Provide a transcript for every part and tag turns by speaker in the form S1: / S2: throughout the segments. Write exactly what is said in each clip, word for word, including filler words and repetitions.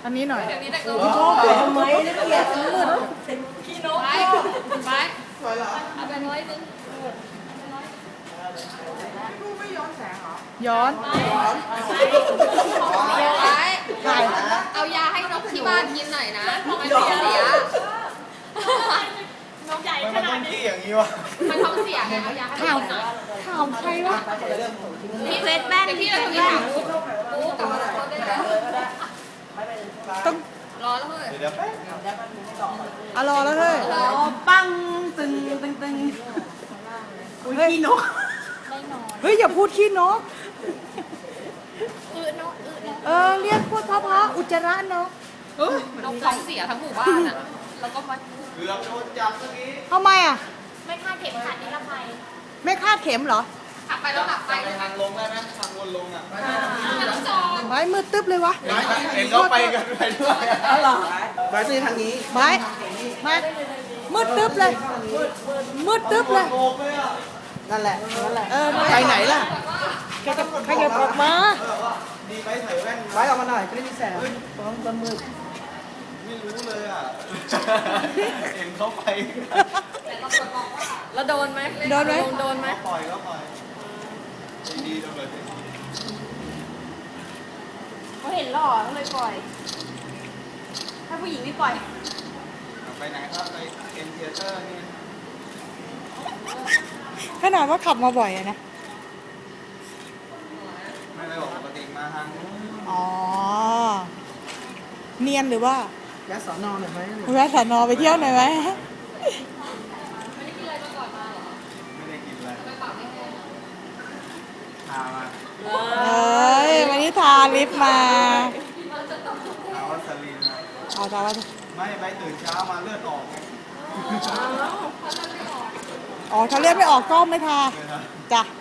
S1: อันนี้หน่อย
S2: เดี๋ยวนี้แต่ก็
S3: โอ้โหทำไมนะเกลียดมืด
S2: ขี้นกไปไปเอาไปร้อยนึง
S1: ย้อน
S2: ไปเอายาให้นกที่บ้านกินหน่อยนะมันท้องเสียนกใหญ่ขนาดนี้อย่างนี้วะมันท้องเสียไงเอายาให้มันกินหน่อย
S1: ถามใครวะ
S2: พี่เฟสแม่นพี่เราทำยังไงกูกลับมาเขาได้แล้ว
S1: ต้อง
S2: รอแล้วเฮ้ย
S1: อรอแล้วเฮ้ย
S3: ปังตึงตึงตึงอุ้ยขี้นก
S1: เฮ้ยอย่าพูดขี้นก
S2: อืดนกอืดนก
S1: เออเรียกพูดเพราะๆอุจจาระนก
S2: นกท้องเสียทั้งหมู่บ้านอ่ะแล้วก็มา
S4: เกือบโดนจับเมื่อกี้
S1: ทำไมอ่ะ
S2: ไม่คาดเข็มขัดนิรภัย
S1: ไม่คาดเข็มเหรอ
S2: ขับไปแล้วหลับไป
S4: ไปทางลงได้ไหมทางวนลงอ่ะ
S2: ไม่ต้องจอง
S1: ไว้มืดตึ๊บเลยวะ
S4: เห็นเขาไปกันไปด้วย
S3: อ๋อเหรอมาซื้อทางนี้
S1: ไว้มามืดตึ๊บเลย มืดตึ๊บเลย
S4: โกงเลยอ่ะ
S3: นั่นแหละนั่นแหละ
S1: เออ
S3: ไปไหนล่ะ
S1: แกจะขยับออกมา
S4: ดีไหมใส่แว่น
S3: ไว้ออกมาหน่อยจะได้มีแสงฟ้องตะมืด
S4: ไม่รู้เลยอ่ะ เห็นเขาไป
S2: แล้วโดนไหม
S1: โดนไหม
S2: โดนไหม
S4: ปล่อยก็ปล่อยดีๆจังเลย
S5: เขาเห็นหล่อก็เลยปล่อย ถ้าผู้หญิงไม่ปล่อย
S4: ไปไหนครับไปเอ็นเทเตอร์นี่
S1: ขนาดว่าขับมาบ่อยอะนะ
S4: ไม่ได้บอกปกติมาทางนู้น
S1: อ๋อ เนียนหรือว่า
S3: ยัดสอนอหน่อยไหม
S1: แวะสอนอไปเที่ยวหน่อยไหม
S4: ไม่ได้กินอะไรพามา
S1: เอ้ยวันนี้ทาลิปมา
S4: หาวัสลีนนะ
S1: เอาทาว่า
S4: ไม่ไปตื่นเช้ามาเลือดออกไง
S1: อ๋อถ้าเลือดไม่ออกก็ไม่ทา
S4: เลยนะ
S1: จ้ะ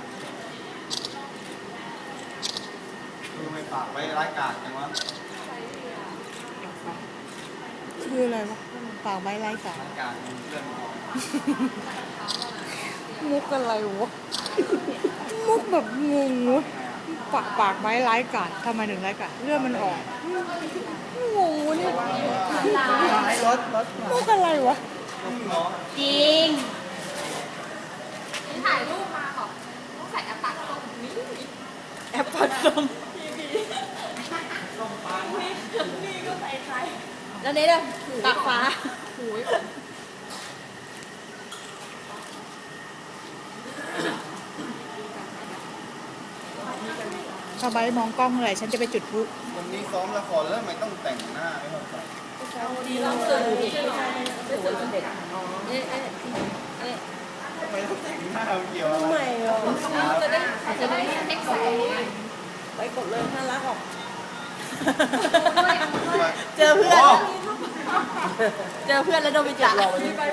S4: ดูไปฝากไว้ร้ายกาจจังวะ
S1: คืออะไรวะฝากไว้ไร้สา
S4: ร้ายกาจเลือดออก
S1: มุกอะไรวะ มุกแบบงงวะฝากปากไว้ไร้กาดทำไมถึงไร้กาดเลือดมันออกงงวะเนี่ย
S3: ให้รถรถ
S1: มุกอะไรวะ
S5: จริง
S2: นี่ถ่ายรูปมาบอกต้องใส่แอปตัดส้มนี่
S1: แอปปัดส้ม
S5: แล้วนี่เด้อปากฟ้า
S2: หูย
S1: ถ้าใบมองกล้องเมื่อไหร่ฉันจะไปจุดพลุ
S4: วันนี้ซ้อมละครแล้วทำไมต้องแต่งหน้าไม่เข้าใจ
S5: เราสื่อที่เรา
S3: เด็ก
S5: เอ๊ะเอ๊ะเอ๊ะ
S4: ทำไมต้องแต่งหน้าเกี่ยวอะไร
S3: ไม่หรอก
S2: จะได้จะได้เทคแสง
S3: ไปกดเลยน่ารักออก
S5: เจอเพื่อน เจอเพื่อนแล้วโดนไปจับ
S4: รถ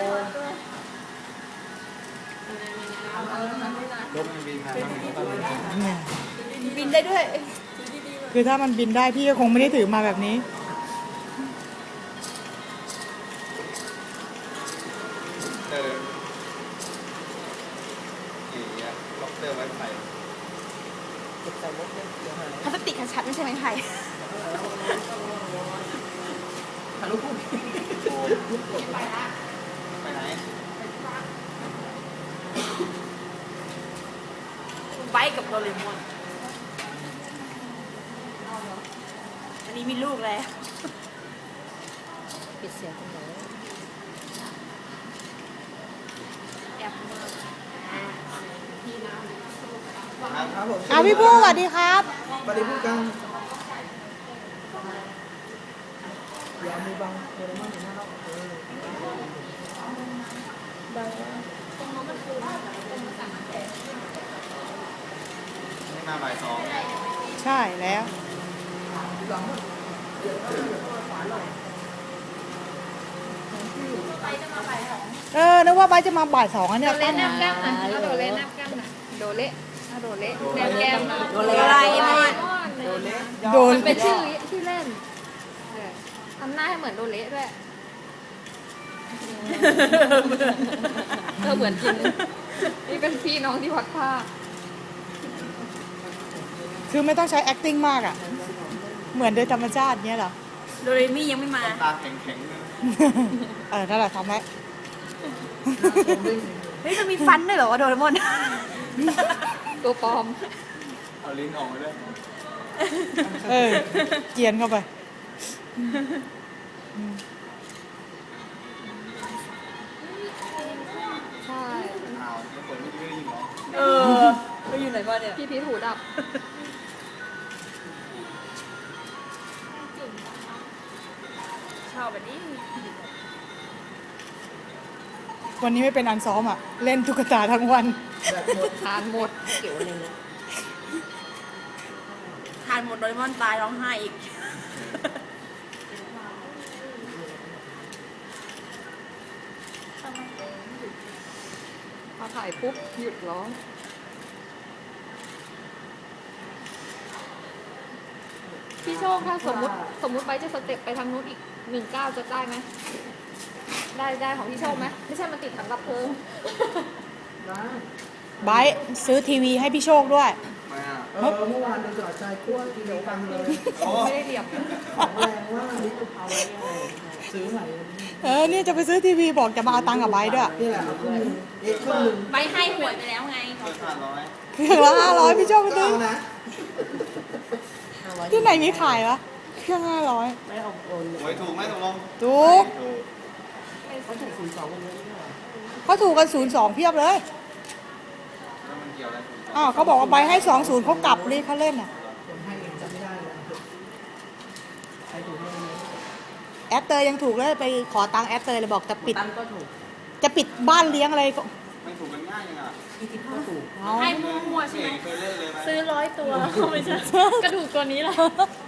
S4: มันบินมาต้องมีต้องมี
S5: บินได้ด้วย
S1: คือถ้ามันบินได้พี่ก็คงไม่ได้ถือมาแบบนี้
S4: เจอเอ๋ล็อกเตอร์ไว้ไผ่
S3: เก็บใส่รถเลยเดี๋ยวหาย
S5: พลาสติกชัดๆไม่ใช่ไม้ไผ่
S3: ถ่ายรูปคู่
S4: โอ้ไปไหน
S5: ไบค์กับโดเรมอน อันนี้มีลูกแล้วปิดเสียงกันเลยแอบมา
S3: ครับผม
S1: อ่ะพี่ผู้สวัสดีครับ
S3: สวัสดีพูดกันอย่ามือบังโดเรมอนอยู่หน้าเราเออบัง
S4: นี่มาบ่ายสอง
S1: ใช่แล้ว เออ นึกว่าใบจะมาบ่ายสองอัน
S2: โด
S1: เนี่ย
S2: เละแนบแก้มนะโดเละแนบแก้มนะโดเละโดเละแนบแก้มนะ
S5: โดเรมอน
S4: โดนเละ
S1: โดน
S2: เป็นชื่อชื่อเล่นทำหน้าให้เหมือนโดเละด้วยเออเหมือนจริงนี่เป็นพี่น้องที่วัดผ้า
S1: คือไม่ต้องใช้ acting มากอ่ะ เหมือนโดยธรรมชาติเนี้ยเหรอ
S2: ใ
S3: โดเรมี่ยังไม่มา
S4: ตาแข็งๆเลย
S1: เออนั่นแหละทำไว้
S3: เฮ้ยจะมีฟันด้วยเหรอวะโดเรมอน
S2: ตัวปลอม
S4: เอาลิ้นออกมาด้วย
S1: เออเกียนเข้าไป
S2: ใช่
S4: อ้าวแล้วคนไม่ได้ยินเหรอ
S3: เออไปอยู่ไหนมาเนี่ย
S2: พี่พีทหูดับ
S3: ชอบแบบนี้
S1: วันนี้ไม่เป็นอันซ้อมอ่ะ เล่นตุ๊กตาทั้งวัน
S2: ทานหมด
S3: เกี่ยวอะไรนะทานหมดโดเรมอนตายร้องไห้อีก
S2: พอถ่ายปุ๊บหยุดร้อง พี่โชคถ้าสมมติสมมติไปจะสเต็ปไปทางนู้นอีกหนึ่งก้าวจะได้ไหม ได้ได้ของพี่โชคไหม ไม่ใช่มันติดถังดับเพลิง
S1: ไบร์ทซื้อทีวีให้พี่โชคด้วย
S4: มาอ่ะ
S6: เออเมื่อวานเราจอดใจคั่วทีเดียวกันเลย
S4: โอ้
S2: ไม่ได้เรียบ
S6: ของแรงว่าลิตรเอาไว้ยังไงซื้อใหม่
S1: เออนี่จะไปซื้อทีวีบอกจะมาเอาตังค์กับไบร์ทด้วย
S6: นี่แหละครึ่งหนึงเอ๊ะครึ่งหนึง
S3: ใบให้หวยไปแล้วไง
S4: เกินห้าร้อย
S1: เครื่องละห้าร้อยพี่โชคไป
S6: ก็
S1: ซื้อ
S6: เอานะ
S1: ที่ไหนมีขายวะเครื่องห้าร้อย
S6: ไม่เอาโอน
S4: หวยถูกไหมตกลง
S1: ถูก
S4: ถูก
S6: เขาถูกศูนย์สองวันนี้ไม่ได้
S1: เขาถูกกันศูนย์สองเพียบเลย
S4: แล้วมันเกี่ยวอะไร
S1: อ้าวเขาบอกว่าไบร์ทให้สองศูนย์เขากลับเลยเขาเล่นอ่ะ
S6: คนให้เองจำไม่ได้เลยใครถูกให้วันนี้
S1: แอดเตยยังถูกเลยไปขอตังค์แอดเตยเลยบอกจะปิด
S6: ตั้นก็ถูก
S1: จะปิดบ้านเลี้ยงอะไรก็
S4: ไม่ถูกกันง่ายยังอ่ะ
S6: อีทิพย์ก็ถูก
S1: เอา
S3: ให้มั่วๆใช่ไหม
S4: เคยเล่นเลยไหม
S3: ซื้อร้อยตัวไม่ใช่กระดูกตัวนี้แหละ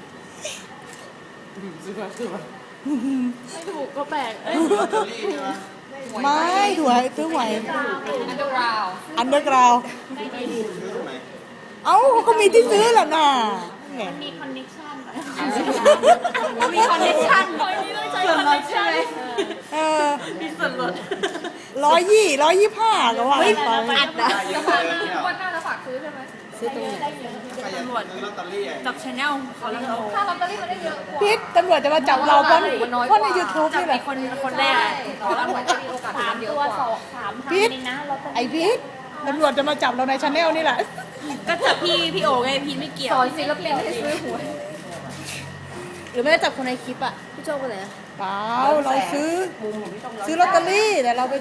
S6: ซื้อมาซื้อมา
S3: ไม่ถูกก็แปลกเอ้ย
S4: ลอตเตอรี่ใช่ไหม
S1: ไม่ถวยซื้อหวย
S2: อันเดอร์ราว
S1: อันเดอร์กราว
S4: ซื้อตรงไหน
S1: เอ้าเขาก็มีที่ซื้อแหละน่ะแหม
S3: มีคอนเนคชั่นมีคอนเนคชั่นคนนี้ต้องใช้คอนเนคชั่น
S1: เออ
S3: มีส่วนลด
S1: ร้อยยี่ร้อยยี่ห้าก็ว่าไป
S3: อัดนะ
S4: ได้เย
S2: จะ
S4: อะ
S2: ฝาก
S4: เลยเนี่ย
S2: วันหน้าจะฝากซื้อใช่ไหม
S1: ซื้อตรงไหน
S4: ใครอยากซื้อลอตเตอรี่อ่ะ
S3: จับชาแนลเขาแล้วเรา
S2: ถ้าลอตเตอรี่มันได้เยอะกว่า
S1: พิษตำรวจจะมาจับเราเพราะเพราะในยูทูบ
S3: จับ
S1: นี่แห
S3: ไอ้
S1: ละ
S3: คนคนแรกอะ
S2: ตอนหวยจะมีโอกาสถูกมันเยอะกว่า
S5: สามพัน
S1: พิษ
S5: เองนะเราจะ
S1: ไอพิษตำรวจจะมาจับเราในชาแนลนี่แหละ
S3: ก็จับพี่พี่โอไงพี่ไม่เกี่ยว
S2: สอนศิลปินให้ซื้อหวย
S3: หรือไม่ได้จับคนในคลิปอ่ะพี่โจ้ไปไหน
S1: เปล่าเราซื้อ ซื้อลอตเตอรี่แต่เราไป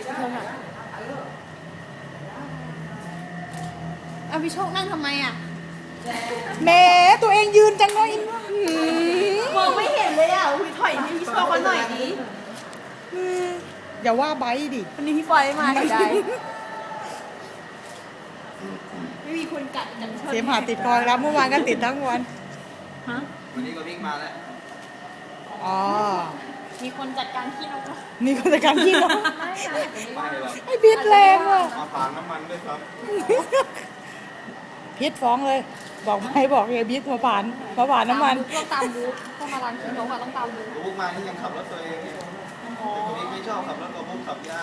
S3: อ่ะพี่โชคนั่งทำไมอ่ะ
S1: แหมตัวเองยืนจังเลยหืม
S3: มองไม่เห็นเลยอ่ะอุ้ยถอยให้พี่โชคเขาหน่อยดิ
S1: อืมอย่าว่าไบร์ทดิ
S3: วันนี้พี่ฟอยไม่มาเสียดายไม่มีคนกัดกันชน
S1: เสียมหาติดคอแล้วเมื่อวานก็ติดทั้งวัน
S3: ฮะ
S4: วันนี้ก็วิ่งมาแล้ว
S1: อ๋อ
S3: มีคนจัดการขี้นก
S1: นี่ก็จะการที่น้อง
S4: ไม่หรอก
S1: ไอพิษแรงว่ะ
S4: มาฝางน้ำมันด้วยครับ
S1: พิษฟ้องเลย บอกไม่บอกไอ้พิษมาผ่านมาผ่านน้ำมัน
S2: ต้องตามบูธต้องมาร้านขี้นกอะต้องตามบูธ
S4: บุ๊กมานี่ยังขับรถตัวเองเนี่ยแต่คนนี้ไม่ชอบขับรถกับบุ๊กขับยาก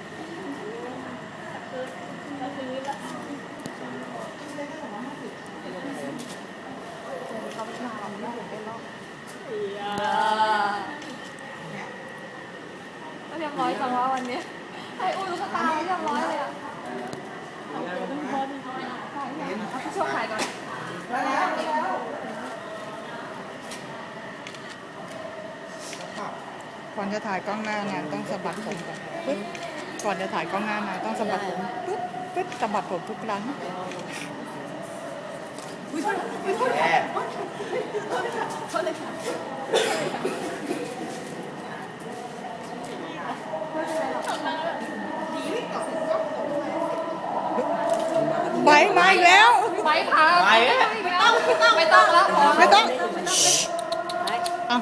S2: ก็เรียบร้อยจังว่าวันนี้ให้อุ้ยลูกตาเรียบร้อยเลยอะพี่โชคถ่ายก่อน
S1: ก่อนจะถ่ายกล้องหน้างานต้องสะบัดผมก่อนปึ๊บก่อนจะถ่ายกล้องหน้างานต้องสะบัดผมปึ๊บปึ๊บสะบัดผมทุกครั้ง
S4: แย่
S1: ไบร์ทมาอีกแล้ว
S2: ไปพาไปไม่ต้องไม่ต้องแล้วพอ
S1: ไม่ต้องอ้าว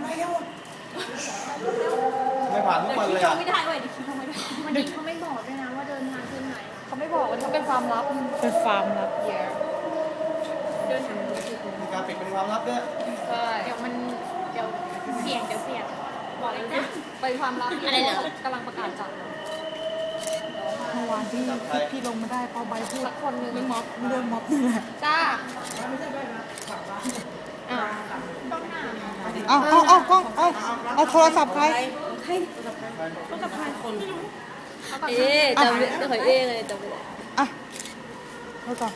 S4: ไม่ผ่านทุกวันเลยอ่ะ
S3: ไม่ได้เว้ยเดี๋ยวคิดทำไม่ได้
S5: วันนี้เขาไม่บอกด้วยนะว่าเดินทางที่ไหน
S2: เขาไม่บอกว่าเขาเป็นความลับ
S1: เป็นฟาร์มลับ
S2: เยอะ
S5: เดินทาง
S4: มีการปิดเป็นความลับด้วย
S2: ใช่
S5: เดี๋ยวมันเดี๋ยวเสี่ยงเดี๋ยวเสี่ยงบอกเลยนะ
S2: เป็นความลับที่กำลังประกาศจับ
S1: เมื่อวานที่ที่ที่ลงมาได้เพราะใบพูด
S2: สักคนหนึ่ง
S1: เรื่องม็อบเรื่องม็อบนี่แหละ
S2: จ้า
S5: อ้าวต้องหน้า
S1: เอาเอาเอากล้องเอาเอาโทรศัพท์ใคร
S3: ใครต้องกับใครคนไม่รู้
S2: เอ๊ะจำจะขอเอ๊ะเลยจำไม่ได้
S1: อ่ะเอาก่อน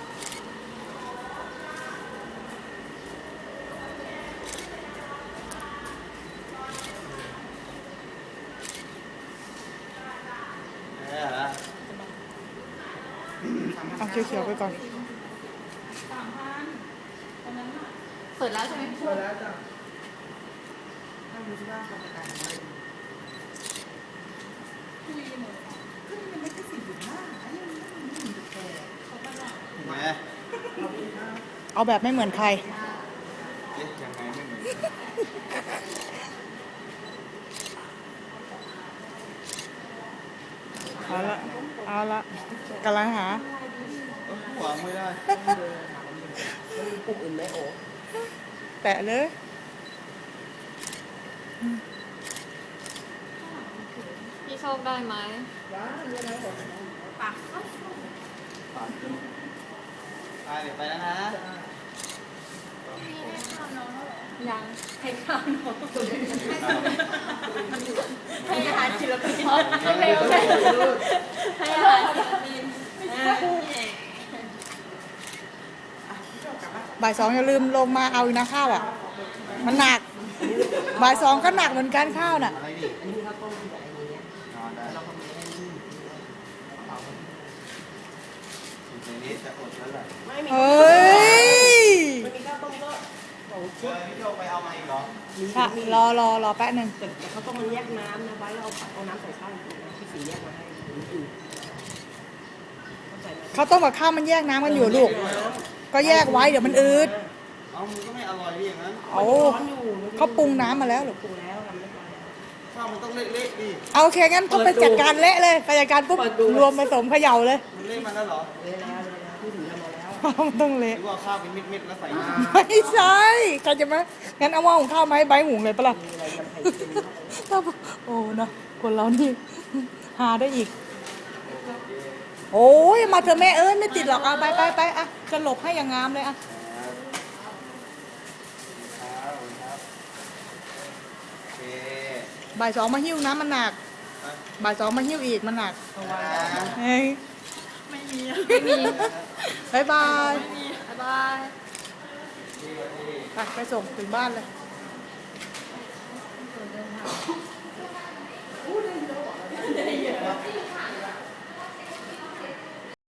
S4: เออเหรอ
S1: เอาเขียวๆไปก่อน
S2: เปิดแล้วใช่ไหม
S6: เปิดแล้วจ้ะถ้าดูที่ว่าความต่างกัน
S4: แหม
S1: เอาแบบไม่เหมือนใคร
S4: เอ๊ะยังไงไม่เหมือน
S1: เอาละ เอาละกำลังหา
S4: วางไม่ได้
S3: ปุ่มอื่นไหมโอ้
S1: แตะเลย
S2: พี่โชคได้ไหม
S5: ปาก
S4: อ่าเดี๋ยวไปแล้วนะ
S2: ยัง
S5: ให้ข้าวน้องให้อาหารศิลปิน
S2: ให้เร็วเลย
S5: ให้อาหารศิลปิน
S1: บ่ายสองอย่าลืมลงมาเอาอีกนะข้าวอ่ะ มันหนัก บ่ายสองก็หนักเหมือนกันข้าวน่ะ
S4: อะไรดิ
S3: อันนี้ข้าวต้มที่ไหนอย่างเงี้ย
S4: นอนได้
S3: เราทำไม่ได้นี่
S4: ในนี้จะอดแล้วแหละ
S3: ไม่มี
S1: เฮ้ย
S3: มันมีข้าวต้มก็สอง
S4: เฮ้
S3: ชุด
S4: ยพี่โยไปเอามาอีกเหรอ
S3: มี
S1: ค่ะ
S3: มี
S1: รอรอรอแป๊บหนึ่ง
S3: แต่แต่ข้าวต้มมันแยกน้ำนะไว้แล้วเอาเอาน้ำใส่ข้าวอีกนะพี่สีแยกมาให้ถึงอื่นเข้าใจไหม
S1: ข้าวต้มกับข้าวมันแยกน้ำกันอยู่ลูก ก็แยกไว้เดี๋ยวมันอืด
S4: เอามันก็ไม่อร่อยดิอย่างนั้น
S1: เอา
S3: ร้อนอยู่
S1: เขาปรุงน้ำมาแล้วหรอ
S3: ปรุงแล้วทำเรียบร้อยแล้ว
S4: ข้าวมันต้องเละๆดิ
S1: เอาโอเคงั้นก็ไปจัดการเละเลยไปจัดการปุ๊บ
S3: เปิดดู
S1: รวมผสมเขย่าเลย
S4: มันเละมาแล้วเหรอ
S3: เลยแล้วเลยแล้วพี่สีทำมาแล้ว
S1: มันต้อง
S4: ห
S1: เละ
S4: รือว่าข้าวเป็นเม็ดๆแล้วใส่น้
S1: ไม่ใช่ใครจะมางั้นเอาหม้อหุงข้าวมาให้ใบหุงเลยปะล่ะ
S3: มีอะไรยำไข่เค็ม
S1: ถ้าโอ้นะคนเรานี่หาได้อีก โอ้ยมาเถอะแม่เอ้ยไม่ติดหรอกเอาไปไปไปอ่ะจะหลบให้อย่างงามเลยอ่ะ
S4: ำครับครับโอเค
S1: บ่ายสองมาหิ้วน้ำมันหนัก
S4: อ่ะ
S1: บ่ายสองมาหิ้วอีกมันหนัก
S4: อ่า
S1: เฮ้ย
S2: ไม่มี
S1: บายบาย
S2: บ๊ายบาย
S1: ไปไปส่งถึงบ้านเลย
S2: เดินทาง